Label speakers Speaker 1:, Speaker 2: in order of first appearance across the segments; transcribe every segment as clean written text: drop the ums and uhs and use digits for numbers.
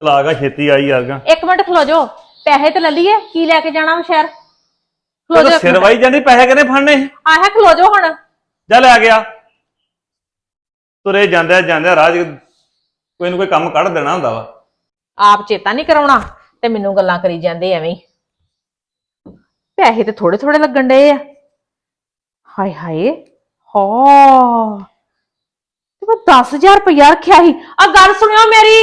Speaker 1: ਲਾਗਾ ਛੇਤੀ ਆਈ ਯਾਰਗਾ।
Speaker 2: एक मिनट खलो जो पैसे तो ले लिए की लैके जाना वा शहर खलो जो
Speaker 1: सिर वाई जानी पैसे किने फड़ने
Speaker 2: आह खलो जो हुण
Speaker 1: जा लै गया तुरे जांदे राह कोई ना कोई काम कढ़ देना हुंदा वा।
Speaker 2: आप चेता नहीं कराउणा ते मैनूं गल्लां करी जांदे एवें पैसे ते थोड़े थोड़े लगन डे आ। हाय हाय हा ते मैं 10,000 रुपया रखिया ही। आ गल सुनियो मेरी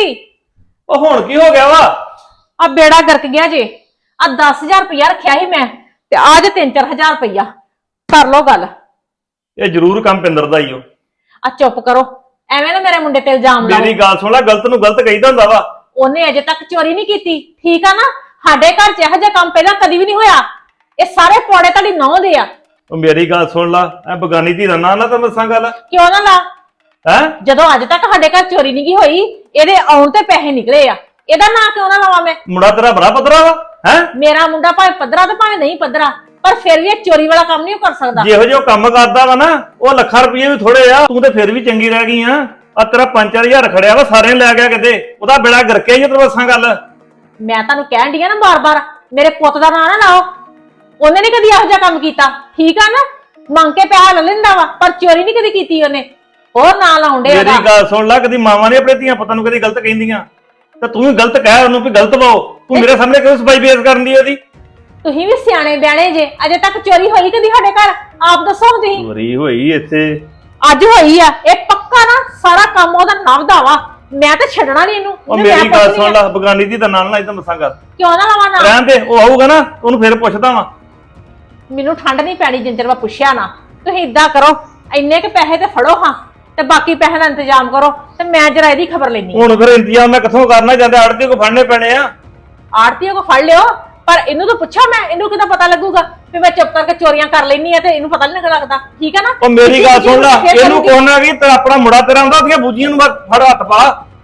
Speaker 1: ओ हुण की हो गया वा?
Speaker 2: आ बेड़ा गर्क गया जे। आ 10,000 रुपया रखिया ही मैं ते आज 3-4 हज़ार रुपया कर लो गल।
Speaker 1: ये जरूर काम पिंदर दा ही हो।
Speaker 2: आ चुप करो एवें ना मेरे मुंडे ते इल्जाम लाओ।
Speaker 1: मेरी गल सुन ला गलत नूं गलत कहीदा हुंदा वा।
Speaker 2: ਉਹਨੇ ਅਜੇ ਤੱਕ ਚੋਰੀ ਨਹੀਂ ਕੀਤੀ ਠੀਕ ਆ ਨਾ। ਸਾਡੇ ਘਰ 'ਚ ਇਹੋ ਜਿਹਾ ਕੰਮ ਪਹਿਲਾਂ ਕਦੀ ਵੀ ਨਹੀਂ ਹੋਇਆ। ਇਹ ਸਾਰੇ ਪੌੜੇ ਤੁਹਾਡੀ ਨੌਂ ਦੇ ਆ।
Speaker 1: ਉਹ ਮੇਰੀ ਗੱਲ ਸੁਣ ਲਾ ਐ ਬਗਾਨੀ ਧੀ ਦਾ ਨਾਂ ਨਾ ਤਾਂ ਮਸਾਂ ਗੱਲ
Speaker 2: ਕਿਉਂ ਨਾ ਲਾ
Speaker 1: ਹੈ।
Speaker 2: ਜਦੋਂ ਅੱਜ ਤੱਕ ਸਾਡੇ ਘਰ ਚੋਰੀ ਨਹੀਂ ਗਈ ਹੋਈ ਇਹਦੇ ਆਉਣ ਤੇ ਪੈਸੇ ਨਿਕਲੇ ਆ ਇਹਦਾ ਨਾਂ ਕਿਉਂ ਨਾ ਲਾਵਾਂ ਮੈਂ।
Speaker 1: ਮੁੰਡਾ ਤੇਰਾ ਬੜਾ ਪੱਧਰਾ ਵਾ ਹੈ।
Speaker 2: ਮੇਰਾ ਮੁੰਡਾ ਭਾਵੇਂ ਪੱਧਰਾ ਤੇ ਭਾਵੇਂ ਨਹੀਂ ਪੱਧਰਾ ਪਰ ਫਿਰ ਵੀ ਇਹ ਚੋਰੀ ਵਾਲਾ ਕੰਮ ਨਹੀਂ ਕਰ ਸਕਦਾ।
Speaker 1: ਜਿਹੋ ਜਿਹਾ ਕੰਮ ਕਰਦਾ ਵਾ ਨਾ ਉਹ ਲੱਖਾਂ ਰੁਪਏ ਵੀ ਥੋੜੇ ਆ। ਤੂੰ ਤੇ ਫਿਰ ਵੀ ਚੰਗੀ ਰਹਿ ਗਈ ਆ। ਆ ਤੇਰਾ 5-4 ਹਜ਼ਾਰ ਖੜਿਆ ਵਾ ਸਾਰੇ ਲੈ ਗਿਆ ਕਿਤੇ ਉਹਦਾ ਬੇੜਾ ਗਰਕਿਆ ਹੀ ਤੇਰੇ ਵਸਾਂ ਗੱਲ।
Speaker 2: ਮੈਂ ਤੁਹਾਨੂੰ ਕਹਿਣ ਡਈ ਆ ਨਾ ਬਾਰ-ਬਾਰ ਮੇਰੇ ਪੁੱਤ ਦਾ ਨਾਂ ਨਾ ਲਾਓ। ਉਹਨੇ ਨਹੀਂ ਕਦੀ ਇਹੋ ਜਿਹਾ ਕੰਮ ਕੀਤਾ ਠੀਕ ਆ ਨਾ। ਮੰਗ ਕੇ ਪੈਸਾ ਲੈ ਲੈਂਦਾ ਵਾ ਪਰ ਚੋਰੀ ਨਹੀਂ ਕਦੀ ਕੀਤੀ ਉਹਨੇ। ਹੋਰ ਨਾਂ ਲਾਉਂਦੇ
Speaker 1: ਮੇਰੀ ਗੱਲ ਸੁਣ ਲੈ ਕਦੀ ਮਾਵਾਂ ਨੇ ਆਪਣੇ ਧੀਆਂ ਪੁੱਤਾਂ ਨੂੰ ਕਦੀ ਗਲਤ ਕਹਿੰਦੀਆਂ ਤੇ ਤੂੰ ਵੀ ਗਲਤ ਕਹਿ ਉਹਨੂੰ ਵੀ ਗਲਤ ਪਾਓ। ਤੂੰ ਮੇਰੇ ਸਾਹਮਣੇ ਕਿਉਂ ਸਫਾਈ ਬੇਇੱਜ਼ਤ ਕਰਨ ਦੀ ਉਹਦੀ?
Speaker 2: ਤੁਸੀਂ ਵੀ ਸਿਆਣੇ ਬਿਆਣੇ ਜੇ ਅਜੇ ਤੱਕ ਚੋਰੀ ਹੋਈ ਕਦੀ ਸਾਡੇ ਘਰ ਆਪ ਦੱਸੋ ਤੁਸੀਂ।
Speaker 1: ਚੋਰੀ ਹੋਈ ਇੱਥੇ
Speaker 2: ਅੱਜ ਹੋਈ ਆ ਇਹ ਪੱਕਾ ਨਾ ਸਾਰਾ ਕੰਮ ਉਹਦਾ ਨਵਦਾ ਵਾ। ਮੈਂ ਤਾਂ ਛੱਡਣਾ ਨਹੀਂ ਇਹਨੂੰ।
Speaker 1: ਉਹ ਮੇਰੀ ਗੱਲ ਸੁਣ ਲੈ ਬਗਾਨੀ ਦੀ ਤਾਂ ਨਾਲ ਨਾ ਇਦਾਂ ਮਸਾਂ ਕਰ
Speaker 2: ਕਿਉਂ ਨਾ ਲਾਵਾਂ ਨਾ
Speaker 1: ਰਹਿਣ ਦੇ। ਉਹ ਆਊਗਾ ਨਾ ਉਹਨੂੰ ਫਿਰ ਪੁੱਛਦਾ ਵਾਂ।
Speaker 2: ਮੈਨੂੰ ਠੰਡ ਨਹੀਂ ਪੈਣੀ ਜਿੰਨ ਚਿਰ ਮੈਂ ਪੁੱਛਿਆ ਨਾ। ਤੁਸੀਂ ਇਦਾਂ ਕਰੋ ਇੰਨੇ ਕੁ ਪੈਸੇ ਤੇ ਫੜੋ ਹਾਂ ਤੇ ਬਾਕੀ ਪੈਸੇ ਦਾ ਇੰਤਜ਼ਾਮ ਕਰੋ ਤੇ ਮੈਂ ਜਰਾ ਇਹਦੀ ਖਬਰ ਲੈਣੀ।
Speaker 1: ਹੁਣ ਫਿਰ ਇੰਤਜ਼ਾਮ ਮੈਂ ਕਿੱਥੋਂ ਕਰਨਾ ਜਾਂਦੇ ਆੜਤੀ ਕੋ ਫੜਨੇ ਪੈਣੇ ਆ।
Speaker 2: ਆੜਤੀਓ ਕੋ ਫੜ ਲਿਓ ਪਰ ਇਹਨੂੰ ਤਾਂ ਪੁੱਛਾ ਮੈਂ ਇਹਨੂੰ ਕਿਦਾਂ ਪਤਾ ਲੱਗੂਗਾ ਵੀ ਮੈਂ ਚੁੱਪ ਕਰਕੇ ਚੋਰੀਆਂ ਕਰ ਲੈਣੀ ਆ ਤੇ ਇਹਨੂੰ ਪਤਾ ਨਹੀਂ ਲੱਗਦਾ ਠੀਕ ਹੈ ਨਾ।
Speaker 1: ਉਹ ਮੇਰੀ ਗੱਲ ਸੁਣ ਲੈ ਇਹਨੂੰ ਕੋਹਨਾ ਵੀ ਤੇ ਆਪਣਾ ਮੁੰਡਾ ਤੇਰਾ ਹੁੰਦਾ ਉਹਦੀਆਂ ਬੂਜੀਆਂ ਨੂੰ ਫੜ ਹੱਥ ਪਾ।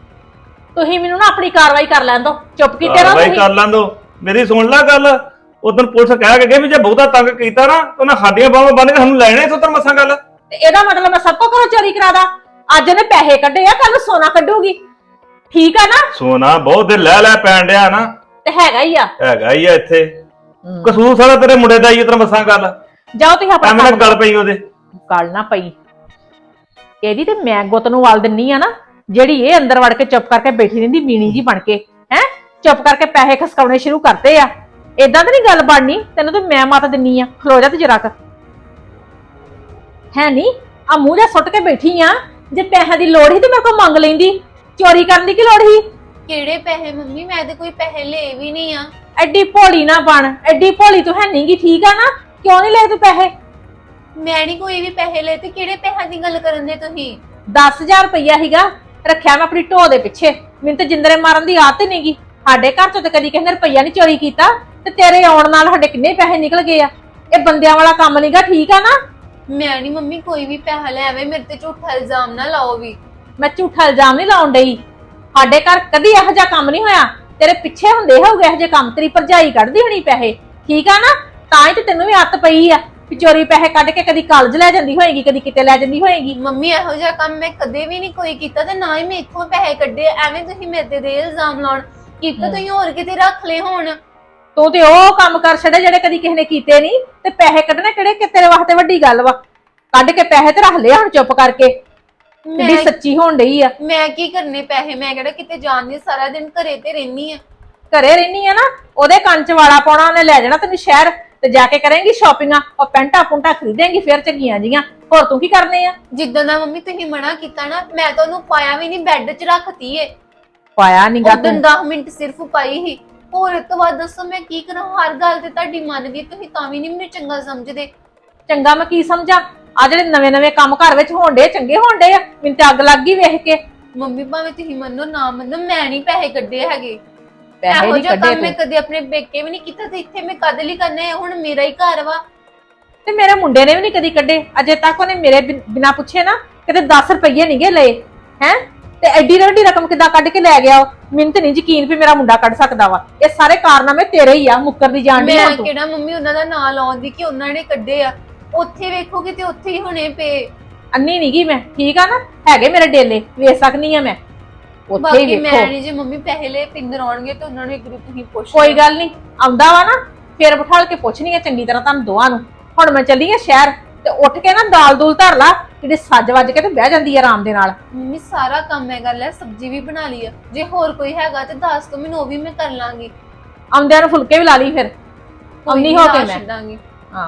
Speaker 2: ਤੁਸੀਂ ਮੈਨੂੰ ਨਾ ਆਪਣੀ ਕਾਰਵਾਈ ਕਰ ਲੈਣ ਦੋ ਚੁੱਪ ਕੀਤੇ ਰਹੋ
Speaker 1: ਤੁਸੀਂ ਕਰ ਲੈਣ ਦੋ। ਮੇਰੀ ਸੁਣ ਲੈ ਗੱਲ ਉਦੋਂ ਪੁਲਿਸ ਕਹਿ ਕੇ ਗਏ ਵੀ ਜੇ ਬਹੁਤਾ ਤੰਗ ਕੀਤਾ ਨਾ ਉਹਨਾਂ ਸਾਡੀਆਂ ਬਾਹਾਂ ਬੰਨ ਕੇ ਸਾਨੂੰ ਲੈਣੇ ਸੁੱਤਰ ਮਸਾਂ ਗੱਲ।
Speaker 2: ਤੇ ਇਹਦਾ ਮਤਲਬ ਮੈਂ ਸਭ ਕੋ ਘਰੋਂ ਚੋਰੀ ਕਰਾਦਾ। ਅੱਜ ਇਹਨੇ ਪੈਸੇ ਕੱਢੇ ਆ ਕੱਲ ਨੂੰ ਸੋਨਾ ਕੱਢੂਗੀ ਠੀਕ ਆ ਨਾ।
Speaker 1: ਸੋਨਾ ਬਹੁਤ ਦੇ ਲੈ ਪੈਣ ਡਿਆ ਨਾ
Speaker 2: ਤੇ ਹੈਗਾ ਹੀ ਆ
Speaker 1: ਇੱਥੇ ਕਸੂਰ ਸਾਰਾ ਤੇਰੇ ਮੁੰਡੇ ਦਾ ਹੀ ਉਤਰ ਮਸਾਂ ਗੱਲ।
Speaker 2: ਜਾਓ ਤੁਸੀਂ ਆਪਣਾ
Speaker 1: ਐਵੇਂ ਗੱਲ ਪਈ ਉਹਦੇ
Speaker 2: ਗੱਲ ਨਾ ਪਈ ਇਹਦੀ ਤੇ ਮੈਂ ਗੁੱਤ ਨੂੰ ਵਾਲ ਦਿੰਨੀ ਆ ਨਾ ਜਿਹੜੀ ਇਹ ਅੰਦਰ ਵੜ ਕੇ ਚੁੱਪ ਕਰਕੇ ਬੈਠੀ ਰਹਿੰਦੀ ਮੀਣੀ ਜੀ ਬਣ ਕੇ ਹੈ। ਚੁੱਪ ਕਰਕੇ ਪੈਸੇ ਖਸਕਾਉਣੇ ਸ਼ੁਰੂ ਕਰਤੇ ਆ। ਏਦਾਂ ਤਾਂ ਨਹੀਂ ਗੱਲ ਬਣਨੀ। ਤੈਨੂੰ ਤਾਂ ਮੈਂ ਮਤ ਦਿੰਨੀ ਆ। ਖਲੋ ਜਾ ਤੇ ਜਰਾ ਕ ਹੈ ਨੀ ਆ ਮੂੰਹ ਜਾ ਸੁੱਟ ਕੇ ਬੈਠੀ ਆ। ਜੇ ਪੈਸਿਆਂ ਦੀ ਲੋੜ ਸੀ ਤੇ ਮੇਰੇ ਕੋਲ ਮੰਗ ਲੈਂਦੀ। ਚੋਰੀ ਕਰਨ ਦੀ ਕੀ ਲੋੜ ਸੀ?
Speaker 3: ਕਿਹੜੇ ਪੈਸੇ ਮੰਮੀ? ਮੈਂ ਤੇ ਕੋਈ ਪੈਸੇ ਲਏ ਵੀ ਨਹੀਂ ਆ।
Speaker 2: ਐਡੀ ਭੋਲੀ ਨਾ ਬਣ। ਐਡੀ ਭੋਲੀ ਤੂੰ ਹੈ ਨਹੀਂਗੀ ਠੀਕ ਆ ਨਾ। ਕਿਉਂ ਨਹੀਂ ਲਏ ਤੂੰ ਪੈਸੇ?
Speaker 3: ਮੈਂ ਨਹੀਂ ਕੋਈ ਵੀ ਪੈਸੇ ਲਏ ਤੇ ਕਿਹੜੇ ਪੈਸਿਆਂ ਦੀ ਗੱਲ ਕਰਨ ਦੇ ਤੁਸੀਂ?
Speaker 2: 10,000 ਰੁਪਇਆ ਸੀਗਾ ਰੱਖਿਆ ਮੈਂ ਆਪਣੀ ਢੋ ਦੇ ਪਿੱਛੇ। ਮੈਨੂੰ ਤੇ ਜਿੰਦਰੇ ਮਾਰਨ ਦੀ ਆਦਤ ਨਹੀਂਗੀ। ਸਾਡੇ ਘਰ ਚੋਂ ਤੇ ਕਦੀ ਕਿਸੇ ਨੇ ਰੁਪਇਆ ਨਹੀਂ ਚੋਰੀ ਕੀਤਾ ਤੇ ਤੇਰੇ ਆਉਣ ਨਾਲ ਸਾਡੇ ਕਿੰਨੇ ਪੈਸੇ ਨਿਕਲ ਗਏ ਆ। ਇਹ ਬੰਦਿਆਂ ਵਾਲਾ ਕੰਮ ਨਹੀਂਗਾ ਠੀਕ ਆ ਨਾ।
Speaker 3: ਮੈਂ ਨਹੀਂ ਮੰਮੀ ਕੋਈ ਵੀ ਪੈਸਾ ਲੈ ਆਵੇ। ਮੇਰੇ ਤੇ ਝੂਠਾ ਇਲਜ਼ਾਮ ਨਾ ਲਾਓ ਵੀ।
Speaker 2: ਮੈਂ ਝੂਠਾ ਇਲਜ਼ਾਮ ਨਹੀਂ ਲਾਉਣ ਡਈ। ਸਾਡੇ ਘਰ ਕਦੀ ਇਹੋ ਜਿਹਾ ਕੰਮ ਨਹੀਂ ਹੋਇਆ। ਤੇਰੇ ਪਿੱਛੇ ਹੁੰਦੇ ਹੋਊਗੇ ਇਹੋ ਜਿਹੇ ਕੰਮ। ਤੇਰੀ ਭਰਜਾਈ ਕੱਢਦੀ ਹੋਣੀ ਪੈਸੇ ਠੀਕ ਆ ਨਾ। ਤਾਂ ਹੀ ਤੇ ਤੈਨੂੰ ਵੀ ਆਦਤ ਪਈ ਆ ਵੀ ਚੋਰੀ ਪੈਸੇ ਕੱਢ ਕੇ ਕਦੀ ਕਾਲਜ ਲੈ ਜਾਂਦੀ ਹੋਏਗੀ ਕਦੀ ਕਿਤੇ ਲੈ ਜਾਂਦੀ ਹੋਏਗੀ।
Speaker 3: ਮੰਮੀ ਇਹੋ ਜਿਹਾ ਕੰਮ ਮੈਂ ਕਦੇ ਵੀ ਨਹੀਂ ਕੋਈ ਕੀਤਾ ਤੇ ਨਾ ਹੀ ਮੈਂ ਇੱਥੋਂ ਪੈਸੇ ਕੱਢੇ। ਐਵੇਂ ਤੁਸੀਂ ਮੇਰੇ ਤੇ ਇਲਜ਼ਾਮ ਲਾਉਣ ਕੀਤਾ ਤੁਸੀਂ ਹੋਰ ਕਿਤੇ ਰੱਖ ਲਏ ਹੋਣ।
Speaker 2: ਤੂੰ ਤੇ ਉਹ ਕੰਮ ਕਰ ਛੱਡੇ ਜਿਹੜੇ ਕਦੀ ਕਿਸੇ ਨੇ ਕੀਤੇ ਨਹੀਂ ਤੇ ਪੈਸੇ ਕੱਢਣੇ ਕਿਹੜੇ ਕਿ ਤੇਰੇ ਵਾਸਤੇ ਵੱਡੀ ਗੱਲ ਵਾ। ਕੱਢ ਕੇ ਪੈਸੇ ਤੇ ਰੱਖ ਲਿਆ ਹੁਣ ਚੁੱਪ ਕਰਕੇ। ਕਿੰਨੀ ਸੱਚੀ ਹੋਣ ਡਈ ਆ।
Speaker 3: ਮੈਂ ਕੀ ਕਰਨੇ ਪੈਸੇ? ਮੈਂ ਕਿਹੜਾ ਕਿਤੇ ਜਾਣ ਨਹੀਂ। ਸਾਰਾ ਦਿਨ ਘਰੇ ਤੇ ਰਹਿਨੀ ਆ।
Speaker 2: ਘਰੇ ਰਹਿਨੀ ਆ ਨਾ। ਉਹਦੇ ਕੰਨ ਚ ਵਾਲਾ ਪਾਉਣਾ ਉਹਨੇ ਲੈ ਜਾਣਾ ਤੈਨੂੰ ਸ਼ਹਿਰ ਤੇ ਜਾ ਕੇ ਕਰੇਂਗੀ ਸ਼ਾਪਿੰਗਾਂ। ਉਹ ਪੈਂਟਾ ਪੁੰਟਾ ਖਰੀਦੇਂਗੀ ਫਿਰ ਚੰਗੀਆਂ ਜੀਆਂ। ਹੋਰ ਤੂੰ ਕੀ ਕਰਨੇ ਆ?
Speaker 3: ਜਿੱਦਾਂ ਦਾ ਮੰਮੀ ਤੁਸੀਂ ਮਨਾ ਕੀਤਾ ਨਾ ਮੈਂ ਤਾਂ ਉਹਨੂੰ ਪਾਇਆ ਵੀ ਨਹੀਂ। ਬੈੱਡ 'ਚ ਰੱਖਤੀ ਏ।
Speaker 2: ਪਾਇਆ ਨੀ ਗਾ
Speaker 3: ਉਦੋਂ 10 ਮਿੰਟ ਸਿਰਫ ਪਾਈ ਹੀ। ਹੋਰ ਇਸ ਤੋਂ ਬਾਅਦ ਦੱਸੋ ਮੈਂ ਕੀ ਕਰਾਂ? ਹਰ ਗੱਲ ਤੇ ਤੁਹਾਡੀ ਮੰਨਦੀ ਤੁਸੀਂ ਤਾਂ ਵੀ ਨਹੀਂ ਮੈਨੂੰ ਚੰਗਾ ਸਮਝਦੇ।
Speaker 2: ਚੰਗਾ ਮੈਂ ਕੀ ਸਮਝਾਂ? ਆ ਜਿਹੜੇ ਨਵੇਂ ਕੰਮ ਘਰ ਵਿੱਚ ਹੋਣ ਡੇ ਚੰਗੇ ਹੋਣ ਡੇ ਆ। ਮੈਨੂੰ ਤੇ ਅੱਗ ਲੱਗ ਗਈ ਵੇਖ ਕੇ।
Speaker 3: ਮੰਮੀ ਭਾਵੇਂ ਤੁਸੀਂ ਮੰਨੋ ਨਾ ਮੰਨੋ ਮੈਂ ਨਹੀਂ ਪੈਸੇ ਕੱਢੇ ਹੈਗੇ।
Speaker 2: ਪੈਸੇ ਨਹੀਂ ਕੱਢੇ
Speaker 3: ਮੈਂ ਕਦੇ ਆਪਣੇ ਪੇਕੇ ਵੀ ਨਹੀਂ ਕੀਤਾ ਤੇ ਇੱਥੇ ਮੈਂ ਕਦ ਲਈ ਕਰਨੇ? ਹੁਣ ਮੇਰਾ ਹੀ ਘਰ ਵਾ।
Speaker 2: ਤੇ ਮੇਰੇ ਮੁੰਡੇ ਨੇ ਵੀ ਨਹੀਂ ਕਦੀ ਕੱਢੇ ਅਜੇ ਤੱਕ। ਉਹਨੇ ਮੇਰੇ ਬਿਨਾ ਪੁੱਛੇ ਨਾ ਕਿਤੇ 10 ਰੁਪਏ ਨਹੀਂ ਗੇ ਲਏ ਹੈ। ਤੇ ਐਡੀ ਵੱਡੀ ਰਕਮ ਕਿੱਦਾਂ ਕੱਢ ਕੇ ਲੈ ਗਿਆ ਉਹ? ਮੈਨੂੰ ਤੇ ਨਹੀਂ ਯਕੀਨ ਵੀ ਮੇਰਾ ਮੁੰਡਾ ਕੱਢ ਸਕਦਾ ਵਾ। ਇਹ ਸਾਰੇ ਕਾਰਨਾਮੇ ਤੇਰੇ ਹੀ ਆ। ਮੁੱਕਰ ਦੀ ਜਾਣ ਦੀ।
Speaker 3: ਮੈਂ ਕਿਹੜਾ ਮੰਮੀ ਉਹਨਾਂ ਦਾ ਨਾਂ ਲਾਉਂਦੀ ਕਿ ਉਹਨਾਂ ਨੇ ਕੱਢੇ ਆ। ਉੱਥੇ ਵੇਖੋਗੇ ਤੇ ਉੱਥੇ ਹੀ ਹੁਣੇ ਪਏ।
Speaker 2: ਅੰਨੀ ਨਹੀਂ ਗਈ ਮੈਂ ਠੀਕ ਆ ਨਾ। ਹੈਗੇ ਮੇਰੇ ਡੇਲੇ ਵੇਚ ਸਕਨੀ ਆ ਮੈਂ। ਉੱਥੇ ਹੀ
Speaker 3: ਬਾਕੀ ਮੈਂ
Speaker 2: ਵੇਖੋ।
Speaker 3: ਨਹੀਂ ਜੇ ਮੰਮੀ ਪੈਸੇ ਲੈ ਪਿੰਦਰ ਆਉਣਗੇ ਤਾਂ ਉਹਨਾਂ ਨੂੰ ਇੱਕ ਵਾਰੀ ਤੁਸੀਂ ਪੁੱਛ
Speaker 2: ਕੋਈ
Speaker 3: ਲਿਓ।
Speaker 2: ਗੱਲ ਨਹੀਂ, ਆਉਂਦਾ ਵਾ ਨਾ ਫੇਰ ਬਿਠਾਲ ਕੇ ਪੁੱਛਣੀ ਆ ਚੰਗੀ ਤਰ੍ਹਾਂ ਤੁਹਾਨੂੰ ਦੋਵਾਂ ਨੂੰ। ਹੁਣ ਮੈਂ ਚੱਲੀ ਆ ਸ਼ਹਿਰ ਤੇ ਉੱਠ ਕੇ ਨਾ ਦਾਲ ਦੂਲ ਧਰ ਲਾ, ਜਿਹੜੀ ਸੱਜ ਵੱਜ ਕੇ ਤੇ ਬਹਿ ਜਾਂਦੀ ਆ ਆਰਾਮ ਦੇ ਨਾਲ।
Speaker 3: ਮੰਮੀ ਸਾਰਾ ਕੰਮ ਮੈਂ ਕਰ ਲਿਆ, ਸਬਜ਼ੀ ਵੀ ਬਣਾ ਲਈ ਆ। ਜੇ ਹੋਰ ਕੋਈ ਹੈਗਾ ਤੇ ਦੱਸ ਦੋ ਮੈਨੂੰ, ਉਹ ਵੀ ਮੈਂ ਕਰ ਲਾਂਗੀ।
Speaker 2: ਆਉਂਦਿਆਂ ਨੂੰ ਫੁਲਕੇ ਵੀ ਲਾ ਲਈ ਫਿਰ, ਆਉਣੀ ਹੋ ਕੇ ਮੈਂ।
Speaker 3: ਛੱਡਾਂਗੀ।
Speaker 2: ਹਾਂ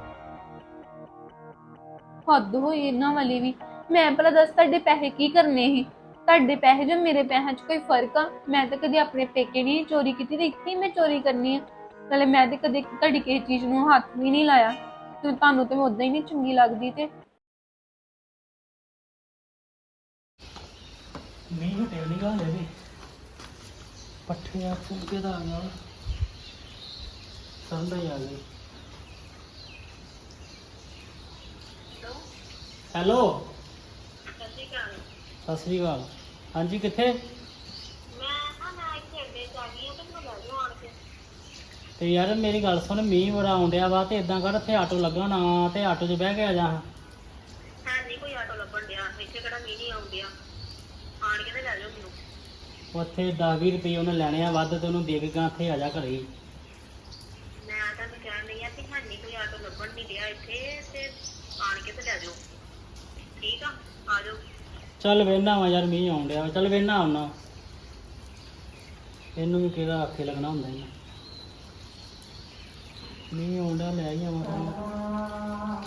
Speaker 3: ਹੱਦ ਹੋਈ ਇਹਨਾਂ ਵਾਲੀ ਵੀ। ਮੈਂ ਭਲਾ ਦੱਸ ਤੁਹਾਡੇ ਪੈਸੇ ਕੀ ਕਰਨੇ ਸੀ? ਤੁਹਾਡੇ ਪੈਸੇ ਜੋ ਮੇਰੇ ਪੈਸਿਆਂ 'ਚ ਕੋਈ ਫਰਕ ਆ? ਮੈਂ ਤਾਂ ਕਦੇ ਆਪਣੇ ਪੇਕੇ ਨਹੀਂ ਚੋਰੀ ਕੀਤੀ ਤੇ ਇੱਥੇ ਹੀ ਮੈਂ ਚੋਰੀ ਕਰਨੀ ਆ। ਨਾਲੇ ਮੈਂ ਤੇ ਕਦੇ ਤੁਹਾਡੀ ਕਿਸੇ ਚੀਜ਼ ਨੂੰ ਹੱਥ ਵੀ ਨਹੀਂ ਲਾਇਆ ਤੇ ਤੁਹਾਨੂੰ ਤੇ ਮੈਂ ਉਦਾਂ ਹੀ ਨਹੀਂ ਚੰਗੀ ਲੱਗਦੀ। ਤੇ
Speaker 4: ਮੀਂਹ ਹਟਿਆ ਨਹੀਂ ਗਾ ਹਲੇ ਵੀ। ਪੱਠੇ ਆ ਫੁਲਕੇ ਦਾ ਆ ਗਿਆ, ਸੰਦਾ ਹੀ ਆ ਗਈ। ਹੈਲੋ ਸਤਿ ਸ਼੍ਰੀ ਅਕਾਲ। ਹਾਂਜੀ ਕਿੱਥੇ? ਤੇ ਯਾਰ ਮੇਰੀ ਗੱਲ ਸੁਣ, ਮੀਂਹ ਬੜਾ ਆਉਣ ਡਿਆ ਵਾ ਤੇ ਇਦਾਂ ਕਰ, ਇੱਥੇ ਆਟੋ ਲੱਗਾ ਨਾ ਤੇ ਆਟੋ 'ਚ ਬਹਿ ਕੇ ਆ ਜਾ।
Speaker 5: ਨਹੀਂ ਕੋਈ ਆਟੋ ਲੱਭਣ ਡਿਆ ਇੱਥੇ, ਕਿਹੜਾ ਮੀਂਹ ਨਹੀਂ ਆਉਣ ਡਿਆ। ਆਣ ਕੇ ਤੇ ਲੈ ਜਾਓ ਮੈਨੂੰ।
Speaker 4: ਉੱਥੇ 10-20 ਰੁਪਏ ਉਹਨੇ ਲੈਣੇ ਆ ਵੱਧ ਤੇ ਉਹਨੂੰ ਦੇ ਕੇ ਗਾ ਇੱਥੇ ਆ ਜਾ ਘਰੇ ਹੀ।
Speaker 5: ਮੈਂ ਤੁਹਾਨੂੰ ਕਹਿਣ ਲਈ ਆ ਕਿ ਨਹੀਂ ਕੋਈ ਆਟੋ ਲੱਭਣ ਨਹੀਂ ਡਿਆ ਇੱਥੇ, ਤੇ ਆਣ ਕੇ ਤੇ ਲੈ ਜਾਓ। ਠੀਕ ਆ, ਆ ਜਾਓ।
Speaker 4: ਚੱਲ ਵੇਹਨਾ ਵਾ ਯਾਰ, ਮੀਂਹ ਆਉਣ ਡਿਆ ਵਾ, ਚੱਲ ਵੇਹਨਾ ਆਉਣਾ। ਇਹਨੂੰ ਵੀ ਕਿਹੜਾ ਆਖੇ ਲੱਗਣਾ ਹੁੰਦਾ ਇਹਨਾਂ। ਮੀਂਹ ਆਉਣ ਡਿਆ, ਲੈ ਹੀ ਆਵਾਂ।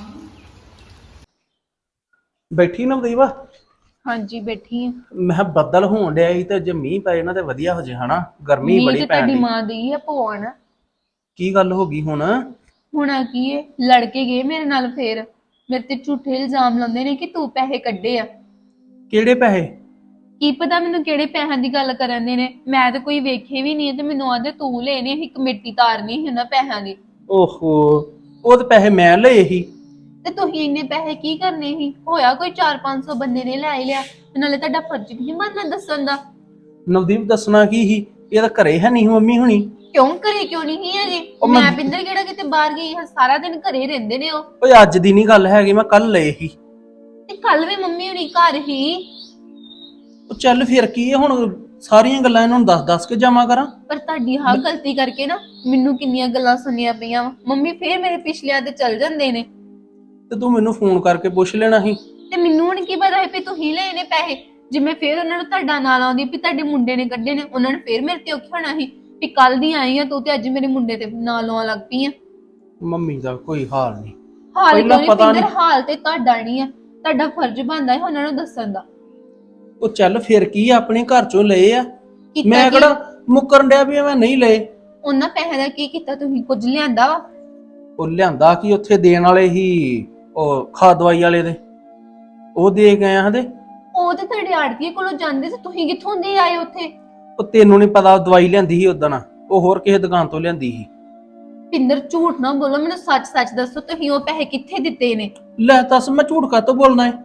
Speaker 6: ਬੈਠੀ ਨਵਦੀਪ?
Speaker 3: ਹਾਂਜੀ ਬੈਠੀ ਆ।
Speaker 6: ਮੈਂ ਕਿਹਾ ਬੱਦਲ ਹੋਣ ਡਿਆ ਸੀ ਤੇ ਜੇ ਮੀਂਹ ਪੈ ਜਾਣਾ ਤੇ ਵਧੀਆ ਹੋ ਜੇ ਹਨਾ। ਗਰਮੀ ਬੜੀ ਪੈਣ
Speaker 3: ਤੁਹਾਡੀ
Speaker 6: ਡਈ।
Speaker 3: ਮਾਂ ਦੀ ਆ ਪਵਾਉਣ।
Speaker 6: ਕੀ ਗੱਲ ਹੋ ਗਈ ਹੁਣ?
Speaker 3: ਹੁਣਾ ਕੀ ਹੈ, ਲੜ ਕੇ ਗਏ ਮੇਰੇ ਨਾਲ। ਫੇਰ ਮੇਰੇ ਤੇ ਝੂਠੇ ਇਲਜ਼ਾਮ ਲਾਉਂਦੇ ਨੇ ਕਿ ਤੂੰ ਪੈਸੇ ਕੱਢੇ ਆ।
Speaker 6: ਕਿਹੜੇ ਪੈਸੇ?
Speaker 3: ਕੀ ਪਤਾ ਮੈਨੂੰ ਕਿਹੜੇ ਪੈਸਿਆਂ ਦੀ ਗੱਲ ਕਰਨ ਦੇ ਨੇ। ਮੈਂ ਤਾਂ ਕੋਈ ਵੇਖੇ ਵੀ ਨਹੀਂ ਤੇ ਮੈਨੂੰ ਆਦੇ ਤੂੰ ਲੈਣੇ ਸੀ, ਕਮੇਟੀ ਤਾਰਨੀ ਸੀ ਉਹਨਾਂ ਪੈਸਿਆਂ ਦੀ।
Speaker 6: ਓਹੋ, ਉਹ ਤੇ ਪੈਸੇ ਮੈਂ ਲਏ ਸੀ।
Speaker 3: ਤੇ ਤੁਸੀਂ ਇੰਨੇ ਪੈਸੇ ਕੀ ਕਰਨੇ ਸੀ? ਹੋਇਆ ਕੋਈ 400-500 ਬੰਦੇ ਨੇ ਲੈ ਹੀ ਲਿਆ। ਤੇ ਨਾਲੇ ਤੁਹਾਡਾ ਫਰਜ਼ ਨਹੀਂ ਬਣਦਾ ਦੱਸਣ ਦਾ।
Speaker 6: ਨਵਦੀਪ ਦੱਸਣਾ ਕੀ ਸੀ? ਇਹ ਤਾਂ ਘਰੇ ਹੈ ਨਹੀਂ ਮੰਮੀ ਹੁਣੀ।
Speaker 3: ਕਿਉਂ ਘਰੇ ਕਿਉਂ ਨਹੀਂ ਸੀ ਅਜੇ? ਮੈਂ ਪਿੰਦਰ ਕਿਹੜਾ ਕਿਤੇ ਬਾਹਰ ਗਈ ਹਾਂ? ਸਾਰਾ ਦਿਨ ਘਰੇ ਰਹਿੰਦੇ ਨੇ ਉਹ।
Speaker 6: ਓਏ ਅੱਜ ਦੀ ਨਹੀਂ ਗੱਲ ਹੈਗੀ, ਮੈਂ ਕੱਲ ਲਏ ਸੀ।
Speaker 3: ਤੇ ਕੱਲ ਵੀ ਮੰਮੀ ਹੁਣੀ ਘਰ ਹੀ।
Speaker 6: ਉਹ ਚੱਲ ਫਿਰ ਕੀ ਹੈ ਹੁਣ, ਸਾਰੀਆਂ ਗੱਲਾਂ ਇਹਨਾਂ ਨੂੰ ਦੱਸ ਕੇ ਜਾਵਾਂ ਕਰਾਂ।
Speaker 3: ਪਰ ਤੁਹਾਡੀ ਹਾਂ ਗਲਤੀ ਕਰਕੇ ਨਾ ਮੈਨੂੰ ਕਿੰਨੀਆਂ ਗੱਲਾਂ ਸੁਣੀਆਂ ਪਈਆਂ ਵਾ। ਮੰਮੀ ਫੇਰ ਮੇਰੇ ਪਿਛਲਿਆਂ ਤੇ ਚੱਲ ਜਾਂਦੇ ਨੇ।
Speaker 6: ਤੇ ਤੂੰ ਮੈਨੂੰ ਫੋਨ ਕਰਕੇ ਪੁੱਛ ਲੈਣਾ ਸੀ।
Speaker 3: ਤੇ ਮੈਨੂੰ ਹੁਣ ਕੀ ਪਤਾ ਹੈ ਵੀ ਤੁਸੀਂ ਲਏ ਨੇ ਪੈਸੇ? ਜੇ ਮੈਂ ਫੇਰ ਉਹਨਾਂ ਨੂੰ ਤੁਹਾਡਾ ਨਾਂ ਲਾਉਂਦੀ ਵੀ ਤੁਹਾਡੇ ਮੁੰਡੇ ਨੇ ਕੱਢੇ ਨੇ, ਉਹਨਾਂ ਨੇ ਫੇਰ ਮੇਰੇ ਤੇ ਔਖਾ ਹੋਣਾ ਸੀ ਵੀ ਕੱਲ ਦੀ ਆਈ ਆ ਤੂੰ ਤੇ ਅੱਜ ਮੇਰੇ ਮੁੰਡੇ ਤੇ ਨਾਂ ਲਾਉਣ ਲੱਗ ਪਈ ਆ।
Speaker 6: ਮੰਮੀ ਦਾ ਕੋਈ ਹਾਲ ਨਹੀਂ।
Speaker 3: ਹਾਲ
Speaker 6: ਪਹਿਲਾਂ
Speaker 3: ਕਿਉਂ ਨਹੀਂ
Speaker 6: ਪਤਾ
Speaker 3: ਪਿੰਦਰ?
Speaker 6: ਨਹੀਂ।
Speaker 3: ਹਾਲ ਤੇ ਤੁਹਾਡਾ ਨਹੀਂ ਆ, ਤੁਹਾਡਾ ਫਰਜ਼ ਬਣਦਾ ਹੈ ਉਹਨਾਂ ਨੂੰ ਦੱਸਣ ਦਾ।
Speaker 6: ਉਹ ਚੱਲ ਫਿਰ ਕੀ ਆ, ਆਪਣੇ ਘਰ ਚੋਂ ਲਏ ਆ।
Speaker 3: ਕੀਤਾ
Speaker 6: ਮੈਂ
Speaker 3: ਕੀ?
Speaker 6: ਕਿਹੜਾ ਮੁੱਕਰਨ ਡਿਆ ਵੀ ਮੈਂ ਨਹੀਂ ਲਏ।
Speaker 3: ਉਹਨਾਂ ਪੈਸੇ ਦਾ ਕੀ ਕੀਤਾ? ਤੁਸੀਂ ਕੁਝ ਲਿਆਂਦਾ ਵਾ?
Speaker 6: ਉਹ ਲਿਆਂਦਾ ਕਿ ਉੱਥੇ ਦੇਣ ਵਾਲੇ ਹੀ, ਉਹ ਖਾਦ ਦਵਾਈ ਵਾਲੇ ਦੇ, ਉਹ ਦੇ ਗਏ ਆ ਹਦੇ।
Speaker 3: ਉਹ ਤੇ ਤੁਹਾਡੇ ਆੜਤੀਏ ਕੋਲੋਂ ਜਾਂਦੇ ਸੀ, ਤੁਸੀਂ ਕਿੱਥੋਂ ਦੇ ਆਏ ਉੱਥੇ?
Speaker 6: ਉਹ ਤੈਨੂੰ ਨਹੀਂ ਪਤਾ, ਦਵਾਈ ਲਿਆਂਦੀ ਸੀ ਉਦਣ, ਉਹ ਹੋਰ ਕਿਸੇ ਦੁਕਾਨ ਤੋਂ ਲਿਆਂਦੀ ਸੀ।
Speaker 3: ਪਿੰਦਰ ਝੂਠ ਨਾ ਬੋਲੋ, ਮੈਨੂੰ ਸੱਚ-ਸੱਚ ਦੱਸੋ ਤੁਸੀਂ ਉਹ ਪੈਸੇ ਕਿੱਥੇ ਦਿੱਤੇ ਨੇ?
Speaker 6: ਲੈ ਦੱਸ, ਮੈਂ ਝੂਠ ਕਾਹਤੋਂ ਬੋਲਣਾ ਹੈ?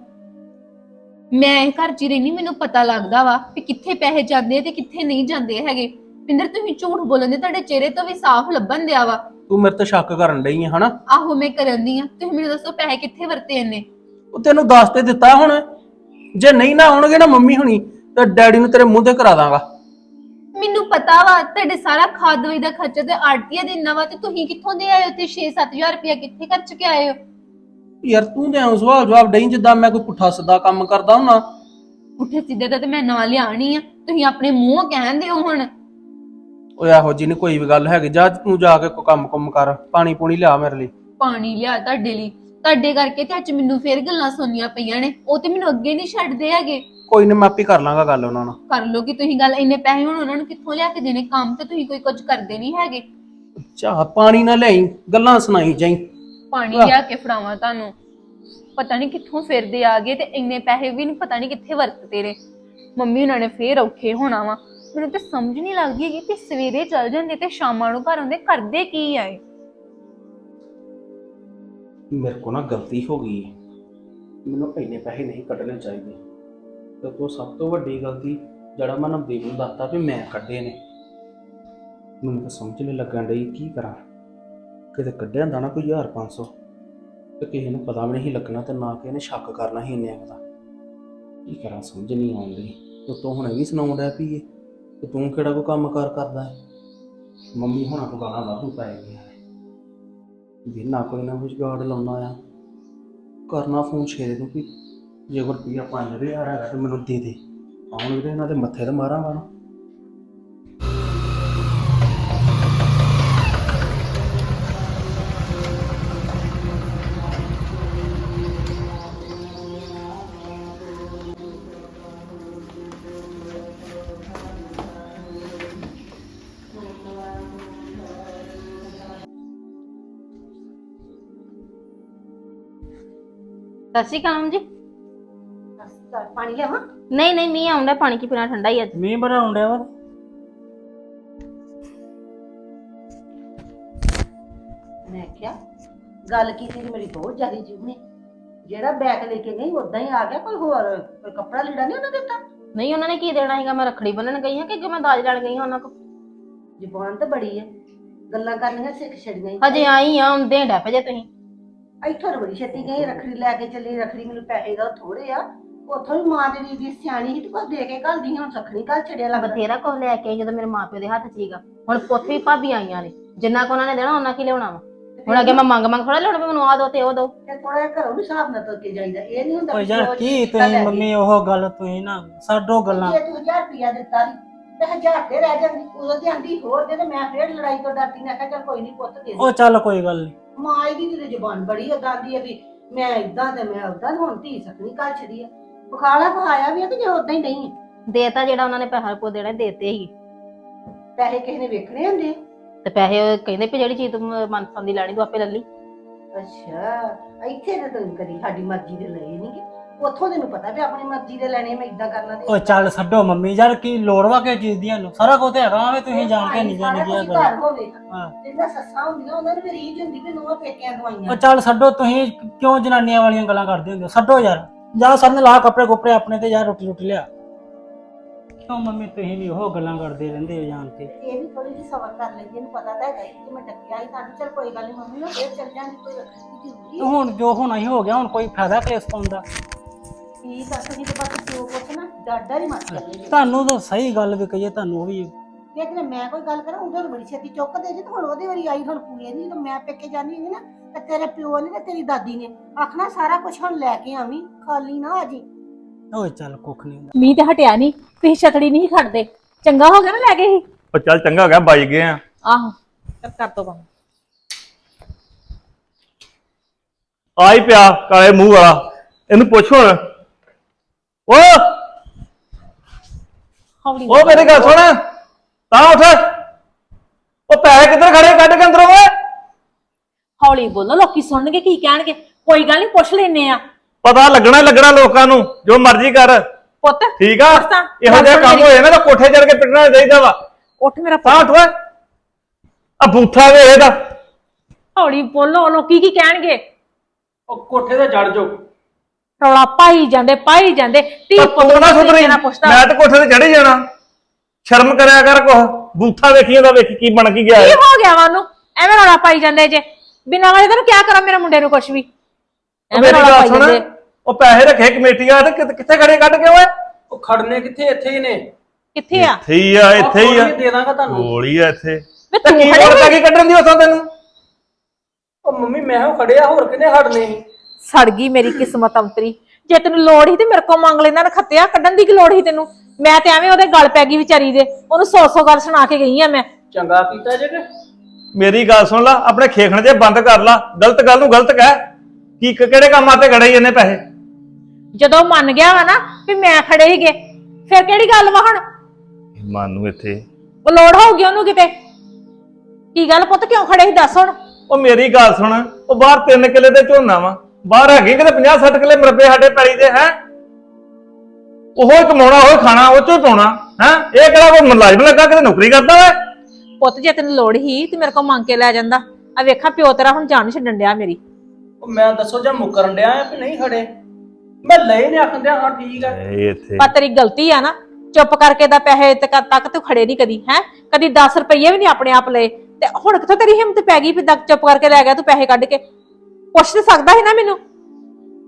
Speaker 3: ਮੈਂ ਇਹ ਘਰ 'ਚ ਹੀ ਰਹਿਨੀ, ਮੈਨੂੰ ਪਤਾ ਲੱਗਦਾ ਵਾ ਕਿ ਕਿੱਥੇ ਪੈਸੇ ਜਾਂਦੇ ਤੇ ਕਿੱਥੇ ਨਹੀਂ ਜਾਂਦੇ ਹੈਗੇ। ਪਿੰਦਰ ਤੁਸੀਂ ਝੂਠ ਬੋਲਦੇ, ਤੁਹਾਡੇ ਚਿਹਰੇ ਤੋਂ ਵੀ ਸਾਫ਼ ਲੱਭਣ ਦਿਆ ਵਾ।
Speaker 6: ਤੂੰ ਮੇਰੇ ਤੇ ਸ਼ੱਕ ਕਰਨ ਡਈ ਹੈ ਹਨਾ?
Speaker 3: ਆਹੋ ਮੈਂ ਕਰਨ ਦੀ ਆ। ਤੁਸੀਂ ਮੈਨੂੰ ਦੱਸੋ ਪੈਸੇ ਕਿੱਥੇ ਵਰਤੇ ਇਹਨੇ?
Speaker 6: ਉਹ ਤੈਨੂੰ ਦੱਸ ਤੇ ਦਿੱਤਾ ਹੁਣ। ਜੇ ਨਹੀਂ ਨਾ ਆਉਣਗੇ ਨਾ ਮੰਮੀ ਹੁਣੀ, ਤੇ ਡੈਡੀ ਨੂੰ ਤੇਰੇ ਮੂੰਹ ਤੇ ਕਰਾ ਦਾਂਗਾ।
Speaker 3: ਮੈਨੂੰ ਪਤਾ ਵਾ ਤੁਹਾਡੇ ਸਾਰਾ ਖਾਦ ਦਵਾਈ ਦਾ ਖਰਚਾ ਤੇ ਆੜਤੀਆ ਦੇਣਾ ਵਾ, ਤੇ ਤੁਸੀਂ ਕਿੱਥੋਂ ਦੇ ਆਏ ਹੋ? ਤੇ 6-7 ਰੁਪਇਆ ਕਿੱਥੇ ਖਰਚ ਕੇ ਆਏ ਹੋ?
Speaker 6: ਯਾਰ ਤੂੰ ਤੇ ਐਂ ਸਵਾਲ ਜਵਾਬ ਡਈ ਜਿੱਦਾਂ ਮੈਂ ਕੋਈ ਪੁੱਠਾ ਸਿੱਧਾ ਕੰਮ ਕਰਦਾ ਹੁੰਨਾ।
Speaker 3: ਪੁੱਠੇ ਸਿੱਧੇ ਦਾ ਤੇ ਮੈਂ ਨਾਂ ਲਿਆਣੀ ਆ, ਤੁਸੀਂ ਆਪਣੇ ਮੂੰਹੋਂ ਕਹਿੰਦੇ ਹੋ ਹੁਣ।
Speaker 6: ਓਏ ਇਹੋ ਜੀ ਨਹੀਂ ਕੋਈ ਵੀ ਗੱਲ ਹੈਗੀ। ਜਾ ਤੂੰ ਜਾ ਕੇ ਕੋਈ ਕੰਮ ਕਰ, ਪਾਣੀ ਪੂਣੀ ਲਿਆ ਮੇਰੇ ਲਈ।
Speaker 3: ਪਾਣੀ ਲਿਆ ਤੁਹਾਡੇ ਲਈ? ਤੁਹਾਡੇ ਕਰਕੇ ਤੇ ਅੱਜ ਮੈਨੂੰ ਫੇਰ ਗੱਲਾਂ ਸੁਣਨੀਆਂ ਪਈਆਂ ਨੇ। ਉਹ ਤੇ ਮੈਨੂੰ ਅੱਗੇ ਨਹੀਂ ਛੱਡਦੇ ਹੈਗੇ।
Speaker 6: ਕੋਈ ਨਹੀਂ, ਮੈਂ ਆਪੇ ਕਰ ਲਾਂਗਾ ਗੱਲ ਉਹਨਾਂ ਨਾਲ।
Speaker 3: ਕਰ ਲੋ ਕਿ ਤੁਸੀਂ ਗੱਲ। ਇੰਨੇ ਪੈਸੇ ਹੁਣ ਉਹਨਾਂ ਨੂੰ ਕਿੱਥੋਂ ਲਿਆ ਕੇ ਦੇਣੇ? ਕੰਮ ਤੇ ਤੁਸੀਂ ਕੋਈ ਕੁਝ ਕਰਦੇ ਨਹੀਂ ਹੈਗੇ।
Speaker 6: ਚਾਹ ਪਾਣੀ ਨਾ ਲਿਆਈ, ਗੱਲਾਂ ਸੁਣਾਈ ਜਾਈ।
Speaker 3: ਪਾਣੀ ਲਿਆ ਕੇ ਫੜਾਵਾਂ ਤੁਹਾਨੂੰ? ਪਤਾ ਨਹੀਂ ਕਿੱਥੋਂ ਫਿਰਦੇ ਆ ਗਏ ਤੇ ਇੰਨੇ ਪੈਸੇ ਵੀ ਨਹੀਂ ਪਤਾ ਨਹੀਂ ਕਿੱਥੇ ਵਰਤਦੇ ਨੇ। ਮੰਮੀ ਉਹਨਾਂ ਨੇ ਫੇਰ ਔਖੇ ਹੋਣਾ ਵਾ। ਮੈਨੂੰ ਤੇ ਸਮਝ ਨਹੀਂ ਲੱਗਦੀ ਹੈਗੀ ਕਿ ਸਵੇਰੇ ਚੱਲ ਜਾਂਦੇ ਤੇ ਸ਼ਾਮਾਂ ਨੂੰ ਘਰ ਆਉਂਦੇ, ਕਰਦੇ ਕੀ ਆਏ?
Speaker 6: ਮੇਰੇ ਕੋਲ ਨਾ ਗਲਤੀ ਹੋ ਗਈ, ਮੈਨੂੰ ਇੰਨੇ ਪੈਸੇ ਨਹੀਂ ਕੱਢਣੇ ਚਾਹੀਦੇ। ਤੇ ਤੋਂ ਸਭ ਤੋਂ ਵੱਡੀ ਗਲਤੀ ਜਿਹੜਾ ਮੈਂ ਨਵਦੀਪ ਨੂੰ ਦੱਸਤਾ ਵੀ ਮੈਂ ਕੱਢੇ ਨੇ। ਮੈਨੂੰ ਤਾਂ ਸਮਝ ਨਹੀਂ ਲੱਗਣ ਡਈ ਕੀ ਕਰਾਂ। ਕਿਤੇ ਕੱਢਿਆ ਹੁੰਦਾ ਨਾ ਕੋਈ 1500 ਤੇ ਕਿਸੇ ਨੂੰ ਪਤਾ ਵੀ ਨਹੀਂ ਲੱਗਣਾ ਤੇ ਨਾ ਕਿਸੇ ਨੇ ਸ਼ੱਕ ਕਰਨਾ ਸੀ ਇੰਨੇ ਦਾ। ਕੀ ਕਰਾਂ ਸਮਝ ਨਹੀਂ ਆਉਂਦੀ। ਤੇ ਤੂੰ ਹੁਣੇ ਵੀ ਸੁਣਾਉਣ ਡਿਆ ਪਈਏ ਤੇ ਤੂੰ ਕਿਹੜਾ ਕੋਈ ਕੰਮ ਕਾਰ ਕਰਦਾ ਹੈ। ਮੰਮੀ ਹੁਣਾਂ ਤੋਂ ਗਾਲਾਂ ਵਾਧੂ ਪੈ ਗਈਆਂ ਨੇ ਵੀ ਨਾ ਕੋਈ ਨਾ ਕੁਝ ਗਾੜ ਲਾਉਣਾ ਆ। ਕਰਨਾ ਫੋਨ ਛੇਰੇ ਨੂੰ ਵੀ ਜੇ ਕੋਈ ਰੁਪਈਆ 5000 ਹੈਗਾ ਤੇ ਮੈਨੂੰ ਦੇ ਦੇ, ਆਉਣ ਵੀਰੇ ਇਹਨਾਂ ਦੇ ਮੱਥੇ ਤੇ ਮਾਰਾਂਗਾ ਨਾ।
Speaker 7: ਸਤਿ ਸ਼੍ਰੀ ਅਕਾਲ ਜੀ।
Speaker 2: ਪਾਣੀ ਲਿਆਵਾਂ?
Speaker 7: ਨਹੀਂ ਨਹੀਂ, ਮੀਂਹ ਆਉਂਦਾ, ਪਾਣੀ ਕੀ ਪੀਣਾ, ਠੰਡਾ ਹੀ ਅੱਜ।
Speaker 4: ਮੀਂਹ ਬੜਾ ਆਉਂਦਿਆ ਵਾ।
Speaker 8: ਮੈਂ ਕਿਹਾ ਗੱਲ ਕੀਤੀ ਤੇ ਮੇਰੀ ਬਹੁਤ ਜ਼ਿਆਦਾ ਜੀਵ ਨੇ। ਜਿਹੜਾ ਬੈਗ ਲੈ ਕੇ ਗਈ ਉਦਾਂ ਹੀ ਆ ਗਿਆ, ਕੋਈ ਹੋਰ ਕੋਈ ਕੱਪੜਾ ਲੀੜਾ ਨਹੀਂ ਉਹਨਾਂ ਦਿੱਤਾ?
Speaker 7: ਨਹੀਂ, ਉਹਨਾਂ ਨੇ ਕੀ ਦੇਣਾ ਸੀਗਾ? ਮੈਂ ਰੱਖੜੀ ਬੰਨਣ ਗਈ ਹਾਂ ਕਿ ਅੱਗੇ ਮੈਂ ਦਾਜ ਲੈਣ ਗਈ ਹਾਂ ਉਹਨਾਂ ਕੋਲ।
Speaker 8: ਜ਼ੁਬਾਨ ਤਾਂ ਬੜੀ ਹੈ, ਗੱਲਾਂ ਕਰਨੀਆਂ ਸਿੱਖ ਛੜੀਆਂ ਹੀ।
Speaker 7: ਹਜੇ ਆਈ ਆ, ਆਉਂਦੇ ਡੱਪ ਜੇ ਤੁਸੀਂ।
Speaker 8: ਇੱਥੋਂ ਤਾਂ ਬੜੀ ਛੇਤੀ ਗਈ, ਰੱਖੜੀ ਲੈ ਕੇ ਚੱਲੀ। ਰੱਖੜੀ ਮੈਨੂੰ ਪੈਸੇ ਦਾ ਥੋੜੇ ਆ, ਉੱਥੋਂ ਵੀ ਮਾਂ ਤੇਰੀ ਦੀ ਸਿਆਣੀ ਸੀ ਤੇ ਕੁਝ ਦੇ ਕੇ ਘੱਲਦੀ, ਹੁਣ ਸਖਣੀ ਘੱਲ ਛੜਿਆ ਲੱਗਦਾ।
Speaker 7: ਬਥੇਰਾ ਕੁਝ ਲੈ ਕੇ ਆਈ ਜਦੋਂ ਮੇਰੇ ਮਾਪਿਓ ਦੇ ਹੱਥ 'ਚ ਸੀਗਾ। ਹੁਣ ਪੁੱਤ ਵੀ ਭਾਬੀ ਆਈਆਂ ਨੇ, ਜਿੰਨਾ ਕੁ ਉਹਨਾਂ ਨੇ ਦੇਣਾ ਉਹਨਾਂ ਕੀ ਲਿਆਉਣਾ ਵਾ। ਹੁਣ ਅੱਗੇ ਮੈਂ ਮੰਗ ਥੋੜਾ ਲਿਆਉਣਾ ਵੀ ਮੈਨੂੰ ਆ ਦੋ ਤੇ ਉਹ ਦੋ।
Speaker 8: ਤੇ ਥੋੜਾ ਜਿਹਾ ਘਰੋਂ ਵੀ ਹਿਸਾਬ ਨਾਲ ਤੁਰ ਕੇ ਜਾਈਦਾ। ਇਹ ਨਹੀਂ ਹੁੰਦਾ
Speaker 4: ਓਏ
Speaker 8: ਵੀ
Speaker 4: ਯਾਰ
Speaker 8: ਰੋਜ਼
Speaker 4: ਕੀ
Speaker 8: ਕੀਤਾ ਲੈ
Speaker 4: ਤੁਸੀਂ
Speaker 8: ਗਈ।
Speaker 4: ਮੰਮੀ ਉਹ ਗੱਲ ਤੁਸੀਂ ਨਾ ਛੱਡੋ ਗੱਲਾਂ।
Speaker 8: ਜੇ ਤੂੰ 1000 ਰੁਪਇਆ ਦਿੱਤਾ ਸੀ ਤੇ 1000 ਤੇ ਰਹਿ ਜਾਂਦੀ, ਉਦੋਂ ਤੇ ਆਂਦੀ ਹੋਰ ਦੇ, ਤੇ ਮੈਂ ਫੇਰ ਲੜਾਈ ਤੋਂ ਡਰਦੀ ਮੈਂ ਕਿਹਾ ਚੱਲ ਕੋਈ ਨਹੀਂ ਪੁੱਤ ਦੇ ਦੇ।
Speaker 4: ਉਹ ਚੱਲ ਕੋਈ ਗੱਲ ਨਹੀਂ।
Speaker 8: ਮਾਂ ਇਹਦੀ ਤੇ ਜ਼ੁਬਾਨ ਬੜੀ ਉਦਾਂ ਦੀ ਆ ਵੀ ਮੈਂ ਇਦਾਂ ਤੇ ਮੈਂ ਉਦਾਂ, ਹੁਣ ਧੀ ਸਕਣੀ ਘਰ ਛੜੀ ਆ। ਬੁਖਾਲਾ ਪਹਾਇਆ ਵੀ ਆ ਕਿ ਜੇ ਉਦਾਂ ਹੀ ਨਹੀਂ ਆ।
Speaker 7: ਦੇਤਾ ਜਿਹੜਾ ਉਹਨਾਂ ਨੇ ਪੈਸਾ ਕੋ ਦੇਣਾ ਦੇਤੇ ਹੀ।
Speaker 8: ਪੈਸੇ ਕਿਸੇ ਨੇ ਵੇਖਣੇ ਹੁੰਦੇ ਆ।
Speaker 7: ਤੇ ਪੈਸੇ ਉਹ ਕਹਿੰਦੇ ਵੀ ਜਿਹੜੀ ਚੀਜ਼ ਤੂੰ ਮਨਪਸੰਦ ਦੀ ਲੈਣੀ ਤੂੰ ਆਪੇ ਲੈ ਲਈ।
Speaker 8: ਅੱਛਾ, ਇੱਥੇ ਤੇ ਤੂੰ ਕਦੀ ਸਾਡੀ ਮਰਜ਼ੀ ਦੇ ਲਏ ਨਹੀਂ, ਉੱਥੋਂ ਤੈਨੂੰ ਪਤਾ ਵੀ ਆਪਣੀ ਮਰਜ਼ੀ ਦੇ ਲੈਣੇ, ਮੈਂ ਇਦਾਂ ਕਰਨਾ ਤੇ
Speaker 4: ਓ ਚੱਲ ਛੱਡੋ ਮੰਮੀ ਯਾਰ, ਕੀ ਲੋੜ ਵਾ ਕੇ ਚੀਜ਼ ਦੀਆਂ ਨੂੰ? ਸਾਰਾ ਕੁਝ ਹੈਗਾ ਵੇ, ਤੁਸੀਂ ਜਾਣ ਕੇ ਨਹੀਂ
Speaker 8: ਸਾਰਾ
Speaker 4: ਜਾਣੀ
Speaker 8: ਕੁਛ
Speaker 4: ਗਿਆ
Speaker 8: ਘਰ ਹੋਵੇ।
Speaker 4: ਹਾਂ।
Speaker 8: ਜਿੰਨਾ ਸੱਸਾਂ ਹੁੰਦੀਆਂ ਉਹਨਾਂ ਨੂੰ ਵੀ ਰੀਝ ਹੁੰਦੀ ਵੀ ਨੂੰਹਾਂ ਪੇਕਿਆਂ
Speaker 4: ਉਹ
Speaker 8: ਦਵਾਈਆਂ।
Speaker 4: ਚੱਲ ਛੱਡੋ, ਤੁਸੀਂ ਕਿਉਂ ਜਨਾਨੀਆਂ ਵਾਲੀਆਂ ਗੱਲਾਂ ਕਰਦੇ ਹੁੰਦੇ ਹੋ? ਛੱਡੋ ਯਾਰ, ਜਾ ਸਭ ਨੇ ਲਾ ਕੱਪੜੇ ਕੁਪੜੇ ਆਪਣੇ ਤੇ, ਯਾਰ ਰੋਟੀ ਰੋਟੀ ਲਿਆ। ਕਿਉਂ ਮੰਮੀ ਤੁਸੀਂ ਵੀ ਉਹ ਗੱਲਾਂ ਕਰਦੇ ਰਹਿੰਦੇ ਹੋ ਜਾਣ ਕੇ?
Speaker 8: ਇਹ ਵੀ ਥੋੜੀ ਜਿਹੀ ਸਬਰ ਕਰ ਲੈਂਦੀ, ਇਹਨੂੰ ਪਤਾ ਤਾਂ ਹੈਗਾ ਕਿ ਮੈਂ ਡੱਕਿਆ ਹੀ ਤੁਹਾਨੂੰ। ਚੱਲ ਕੋਈ ਗੱਲ ਨਹੀਂ ਮੰਮੀ, ਮੈਂ ਫੇਰ ਚੱਲ ਜਾਂਦੀ, ਕੋਈ ਜ਼ਰੂਰੀ
Speaker 4: ਤੇ ਹੁਣ ਜੋ ਹੋਣਾ ਹੀ ਹੋ ਗਿਆ, ਹੁਣ ਕੋਈ ਫਾਇਦਾ ਕੇਸ ਪਾਉਣ ਦਾ?
Speaker 8: ਠੀਕ ਆ। ਤੁਸੀਂ ਤਾਂ ਬਸ ਜੋ ਕੁਛ ਨਾ ਡਾਡਾ ਹੀ ਮਤ ਕਰਿਓ।
Speaker 4: ਤੁਹਾਨੂੰ ਤਾਂ ਸਹੀ ਗੱਲ ਵੀ ਕਹੀਏ, ਤੁਹਾਨੂੰ ਉਹ ਵੀ
Speaker 8: ਲੇਕਿਨ ਮੈਂ ਕੋਈ ਗੱਲ ਕਰਾਂ ਉਧਰ ਬੜੀ ਛੇਤੀ ਚੁੱਕ ਦੇ ਜੇ, ਤੇ ਹੁਣ ਉਹਦੀ ਵਾਰੀ ਆਈ, ਹੁਣ ਪੂਏ ਨਹੀਂ। ਜਦੋਂ ਮੈਂ ਪੇਕੇ ਜਾਂਦੀ ਹੁੰਦੀ ਨਾ ਤੇ ਤੇਰੇ ਪਿਓ ਨੇ ਤੇ ਤੇਰੀ ਦਾਦੀ ਨੇ ਆਖਣਾ ਸਾਰਾ ਕੁਝ ਹੁਣ ਲੈ ਕੇ ਆਵੀਂ, ਖਾਲੀ ਨਾ ਆ ਜੀ।
Speaker 4: ਓਏ ਚੱਲ ਕੁੱਖ ਨਹੀਂ ਹੁੰਦਾ।
Speaker 2: ਮੀਂਹ ਤੇ ਹਟਿਆ ਨਹੀਂ, ਤੁਸੀਂ ਛਤੜੀ ਨਹੀਂ ਖੜਦੇ। ਚੰਗਾ ਹੋ ਗਿਆ ਨਾ ਲੈ ਗਏ ਸੀ।
Speaker 1: ਉਹ ਚੱਲ ਚੰਗਾ ਹੋ ਗਿਆ, ਬਾਈ ਗਏ ਆ।
Speaker 2: ਆਹੋ ਕਰ ਦੋ ਬੰਦ।
Speaker 1: ਆ ਹੀ ਪਿਆ ਕਾਲੇ ਮੂੰਹ ਵਾਲਾ, ਇਹਨੂੰ ਪੁੱਛ ਹੁਣ। ਓ
Speaker 2: ਹੌਲੀ
Speaker 1: ਉਹ ਮੇਰੀ ਗੱਲ ਸੁਣ, ਤਾਂ ਉੱਠ। ਉਹ ਪੈਸੇ ਕਿੱਧਰ ਖੜੇ, ਕੱਢ ਕੇ ਅੰਦਰੋਂ ਓਏ।
Speaker 2: ਹੌਲੀ ਬੋਲੋ, ਲੋਕੀ ਸੁਣਨਗੇ ਕੀ ਕਹਿਣਗੇ। ਕੋਈ ਗੱਲ ਨਹੀਂ, ਪੁੱਛ ਲੈਨੇ ਆ।
Speaker 1: ਪਤਾ ਲੱਗਣਾ ਲੋਕਾਂ ਨੂੰ, ਜੋ ਮਰਜ਼ੀ ਕਰ।
Speaker 2: ਪੁੱਤ
Speaker 1: ਠੀਕ ਆ,
Speaker 2: ਪੁੱਛ ਤਾਂ।
Speaker 1: ਇਹੋ ਜਿਹਾ ਕੰਮ ਹੋਏ ਨਾ ਤਾਂ ਕੋਠੇ ਚੜ ਕੇ ਪਿੱਟਣਾ ਚਾਹੀਦਾ ਵਾ।
Speaker 2: ਉੱਠ ਮੇਰਾ
Speaker 1: ਤਾਂ
Speaker 2: ਪੁੱਤ।
Speaker 1: ਉੱਠ ਓਏ, ਆ ਬੂਥਾ ਵੇ ਇਹਦਾ।
Speaker 2: ਹੌਲੀ ਬੋਲੋ, ਲੋਕੀ ਕੀ ਕਹਿਣਗੇ।
Speaker 6: ਉਹ ਕੋਠੇ ਤੇ ਚੜ ਜਾਓ।
Speaker 2: ਰੌਲਾ ਪਾਈ ਜਾਂਦੇ ਧੀ
Speaker 1: ਪਰ
Speaker 2: ਪੁੱਤ
Speaker 1: ਤੂੰ ਨਾ
Speaker 2: ਨੂੰ
Speaker 1: ਸੁਧਰੀ,
Speaker 2: ਨਾ ਪੁੱਛਦਾ।
Speaker 1: ਮੈਂ ਤੇ ਕੋਠੇ ਤੇ ਚੜ ਹੀ ਜਾਣਾ। ਸ਼ਰਮ ਕਰਿਆ ਕਰ ਕੁਛ। ਬੂਥਾ ਵੇਖੀ ਇਹਦਾ, ਵੇਖੀ ਕੀ ਬਣ ਕੀ ਗਿਆ
Speaker 2: ਕੀ
Speaker 1: ਇਹ।
Speaker 2: ਹੋ ਗਿਆ ਵਾ ਉਹਨੂੰ? ਐਵੇਂ ਰੌਲਾ ਪਾਈ ਜਾਂਦੇ ਜੇ ਬਿਨਾਂ ਵਜ੍ਹਾ ਤੈਨੂੰ ਕਿਆ ਕਰਾਂ ਮੇਰੇ ਮੁੰਡੇ ਨੂੰ ਕੁਛ ਵੀ।
Speaker 1: ਉਹ
Speaker 2: ਐਵੇਂ
Speaker 1: ਮੇਰੀ
Speaker 2: ਰੌਲਾ
Speaker 1: ਗੱਲ
Speaker 2: ਪਾਈ
Speaker 1: ਸੁਣ,
Speaker 2: ਜਾਂਦੇ।
Speaker 1: ਉਹ ਪੈਸੇ ਰੱਖੇ ਕਮੇਟੀਆਂ ਤੇ ਕਿੱਥੇ ਖੜੇ ਕੱਢ ਕੇ ਓਏ?
Speaker 6: ਉਹ ਖੜਨੇ ਕਿੱਥੇ, ਇੱਥੇ ਹੀ ਨੇ।
Speaker 2: ਕਿੱਥੇ ਆ?
Speaker 1: ਇੱਥੇ ਹੀ ਆ, ਇੱਥੇ ਹੀ ਆ।
Speaker 6: ਦੇ ਦਾਂਗਾ ਤੁਹਾਨੂੰ।
Speaker 1: ਗੋਲੀ ਆ ਇੱਥੇ।
Speaker 2: ਵੇ
Speaker 1: ਤੇ
Speaker 2: ਤੂੰ
Speaker 1: ਕੀ
Speaker 2: ਖੜੇ
Speaker 1: ਲੋੜ ਪੈ
Speaker 2: ਹੋਏ?
Speaker 1: ਗਈ ਕੱਢਣ ਦੀ ਉਥੋਂ ਤੈਨੂੰ?
Speaker 6: ਉਹ ਮੰਮੀ ਮੈਂ ਉਹ ਖੜਿਆ, ਹੋਰ ਕਿਹਨੇ ਖੜਨੇ ਸੀ?
Speaker 2: ਸੜ ਗਈ ਮੇਰੀ ਕਿਸਮਤ ਅੰਤਰੀ। ਜੇ ਤੈਨੂੰ ਲੋੜ ਸੀ ਤੇ ਮੇਰੇ ਕੋਲ ਮੰਗ ਲੈਂਦਾ ਨਾ, ਖੱਤਿਆ ਕੱਢਣ ਦੀ ਕੀ ਲੋੜ ਸੀ ਤੈਨੂੰ? ਮੈਂ ਤੇ ਐਵੇਂ ਉਹਦੇ ਗਲ ਪੈ ਗਈ ਵਿਚਾਰੀ ਦੇ, ਉਹਨੂੰ 100 ਗੱਲ ਸੁਣਾ ਕੇ ਗਈ ਆ ਮੈਂ।
Speaker 6: ਚੰਗਾ ਕੀਤਾ ਜੇ ਕਿ
Speaker 1: ਮੇਰੀ ਗੱਲ ਸੁਣ ਲਾ, ਆਪਣੇ ਖੇਖਣ ਜੇ ਬੰਦ ਕਰ ਲਾ। ਗਲਤ ਗੱਲ ਨੂੰ ਗਲਤ ਕਹਿ। ਕੀ ਕਿਹੜੇ ਕੰਮਾਂ ਤੇ ਗੜੇ ਇਹਨੇ ਪੈਸੇ?
Speaker 2: ਜਦੋਂ ਮੰਨ ਗਿਆ ਵਾ ਨਾ ਵੀ ਮੈਂ ਖੜੇ ਹੀਗੇ, ਫਿਰ ਕਿਹੜੀ ਗੱਲ ਵਾ ਹੁਣ?
Speaker 1: ਮਨ ਨੂੰ ਇੱਥੇ
Speaker 2: ਉਹ ਲੋੜ ਹੋਊਗੀ ਉਹਨੂੰ ਕਿਤੇ। ਕੀ ਗੱਲ ਪੁੱਤ, ਕਿਉਂ ਖੜੇ ਸੀ ਦੱਸ ਹੁਣ?
Speaker 1: ਉਹ ਮੇਰੀ ਗੱਲ ਸੁਣ, ਉਹ ਬਾਹਰ 3 ਕਿੱਲੇ ਤੇ ਝੋਨਾ ਵਾ, ਬਾਹਰ ਹੈਗੇ ਕਿਤੇ 50-60 ਕਿੱਲੇ ਮਰਬੇ ਸਾਡੇ ਪੈਲੀ ਦੇ। ਹੈ ਉਹੋ ਹੀ ਕਮਾਉਣਾ, ਉਹੀ ਖਾਣਾ, ਉਹ ਚੋਂ ਹੀ ਪਾਉਣਾ। ਹੈ ਇਹ ਕਿਹੜਾ ਕੋਈ ਮੁਲਾਜ਼ਮ ਲੱਗਾ, ਕਿਤੇ ਨੌਕਰੀ ਕਰਦਾ ਵਾ?
Speaker 2: ਪੁੱਤ ਜੇ ਤੈਨੂੰ ਲੋੜ ਹੀ ਤੇ ਮੇਰੇ ਕੋਲ ਮੰਗ ਕੇ ਲੈ ਜਾਂਦਾ। ਆ ਵੇਖਾਂ ਪਿਓ ਤੇਰਾ ਹੁਣ ਜਾਨ ਛੱਡਣ ਡਿਆ ਮੇਰੀ।
Speaker 6: ਉਹ ਮੈਂ ਦੱਸੋ ਜਾਂ ਮੁਕਰਨ ਡਿਆ ਆ ਕਿ ਨਹੀਂ ਖੜੇ? ਮੈਂ ਲਏ ਨੇ ਆਖਣ ਡਿਆ ਹਾਂ ਠੀਕ ਆ।
Speaker 1: ਇਹ ਇੱਥੇ
Speaker 2: ਪਰ ਤੇਰੀ ਗਲਤੀ ਆ ਨਾ, ਚੁੱਪ ਕਰਕੇ ਦਾ ਪੈਸੇ ਤੱਕ ਤੂੰ ਖੜੇ ਨਹੀਂ ਕਦੀ। ਹੈ ਕਦੀ 10 ਰੁਪਏ ਵੀ ਨਹੀਂ ਆਪਣੇ ਆਪ ਲਏ, ਤੇ ਹੁਣ ਕਿੱਥੋਂ ਤੇਰੀ ਹਿੰਮਤ ਪੈ ਗਈ ਵੀ ਚੁੱਪ ਕਰਕੇ ਲੈ ਗਿਆ ਤੂੰ ਪੈਸੇ ਕੱਢ ਕੇ? ਪੁੱਛ ਤੇ ਸਕਦਾ ਸੀ ਨਾ ਮੈਨੂੰ।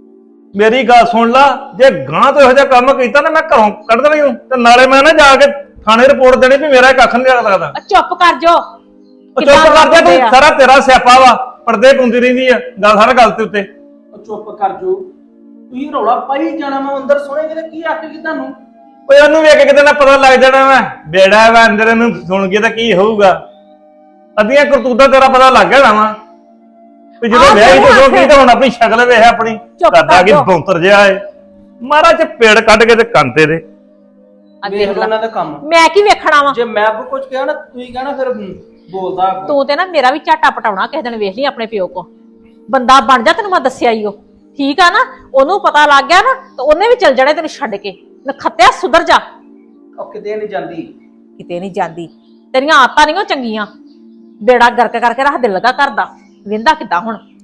Speaker 1: ਮੇਰੀ ਗੱਲ ਸੁਣ ਲਾ, ਜੇ ਗਾਂ ਤੋਂ ਇਹੋ ਜਿਹਾ ਕੰਮ ਕੀਤਾ ਨਾ ਮੈਂ ਘਰੋਂ ਕੱਢ ਦੇਣੀ ਹੂੰ, ਤੇ ਨਾਲੇ ਮੈਂ ਨਾ ਜਾ ਕੇ ਥਾਣੇ ਰਿਪੋਰਟ ਦੇਣੀ ਵੀ ਮੇਰਾ ਕੱਖ ਨਹੀਂ ਲੱਗਦਾ।
Speaker 2: ਚੁੱਪ ਕਰ ਜੋ
Speaker 1: ਉਹ ਚੁੱਪ ਕਰ ਜਾ ਤੂੰ, ਸਾਰਾ ਤੇਰਾ ਸਿਆਪਾ ਵਾ, ਪਰਦੇ ਪੁੰਦੀ ਰਹਿੰਦੀ ਆ ਗੱਲ ਹਰ ਗੱਲ ਤੇ ਉੱਤੇ।
Speaker 6: ਉਹ ਚੁੱਪ ਕਰ ਜੋ, ਤੁਸੀਂ ਰੌਲਾ ਪਾਈ ਜਾਣਾ, ਮੈਂ ਅੰਦਰ ਸੁਣੇਗੀ ਤੇ ਕੀ ਆਖੇਗੀ ਤੁਹਾਨੂੰ?
Speaker 1: ਓਏ ਉਹਨੂੰ ਵੇਖ ਕੇ ਕਿਤੇ ਨਾ ਪਤਾ ਲੱਗ ਜਾਣਾ ਵਾ, ਬੇੜਾ ਵਾ ਅੰਦਰ, ਇਹਨੂੰ ਸੁਣ ਕੇ ਤਾਂ ਕੀ ਹੋਊਗਾ। ਅੱਧੀਆਂ ਕਰਤੂਤਾਂ ਤੇਰਾ ਪਤਾ ਲੱਗ ਜਾਣਾ ਵਾ ਵੀ ਜਦੋਂ ਵਿਆਹੀ ਤੋਂ ਹੋ ਗਈ ਤਾਂ ਹੁਣ ਆਪਣੀ ਸ਼ਕਲ ਵੇਖ ਆਪਣੀ, ਕਰਦਾ ਕੀ ਬੌਂਤਰ ਜਿਹਾ ਏ। ਮਹਾਰਾਜ ਪੇੜ ਕੱਢ ਕੇ ਤੇ ਕੰਤੇ ਦੇ
Speaker 6: ਵੇਖ ਲਓ ਇਹਨਾਂ ਦਾ ਕੰਮ।
Speaker 2: ਮੈਂ ਕੀ ਵੇਖਣਾ ਵਾ?
Speaker 6: ਜੇ ਮੈਂ ਕੋਈ ਕੁਝ ਕਿਹਾ ਨਾ ਤੁਸੀਂ ਕਹਿਣਾ ਫਿਰ ਬੋਲਦਾ ਅੱਗੋਂ।
Speaker 2: ਤੂੰ ਤੇ ਨਾ ਮੇਰਾ ਵੀ ਝਾਟਾ ਪਟਾਉਣਾ ਕਿਸੇ ਦਿਨ, ਵੇਖ ਲਈ ਆਪਣੇ ਪਿਓ ਕੋ। ਬੰਦਾ ਬਣ ਜਾ, ਤੈਨੂੰ ਮੈਂ ਦੱਸਿਆ ਈ ਉਹ, ਠੀਕ ਆ ਨਾ? ਉਹਨੂੰ ਪਤਾ ਲੱਗ ਗਿਆ ਨਾ ਤਾਂ ਉਹਨੇ ਵੀ ਚੱਲ ਜਾਣਾ ਤੈਨੂੰ ਛੱਡ ਕੇ। ਨਖੱਤਿਆ ਸੁਧਰ ਜਾ।
Speaker 6: ਉਹ ਕਿਤੇ ਨਹੀਂ ਜਾਂਦੀ,
Speaker 2: ਕਿਤੇ ਨਹੀਂ ਜਾਂਦੀ, ਤੇਰੀਆਂ ਆਦਤਾਂ ਨਹੀਂ ਉਹ ਚੰਗੀਆਂ। ਬੇੜਾ ਗਰਕ ਕਰਕੇ ਰੱਖ ਦੇ ਲਗਾ ਘਰ ਦਾ, ਵਿੰਦਾ ਕਿੱਦਾਂ ਹੁਣ?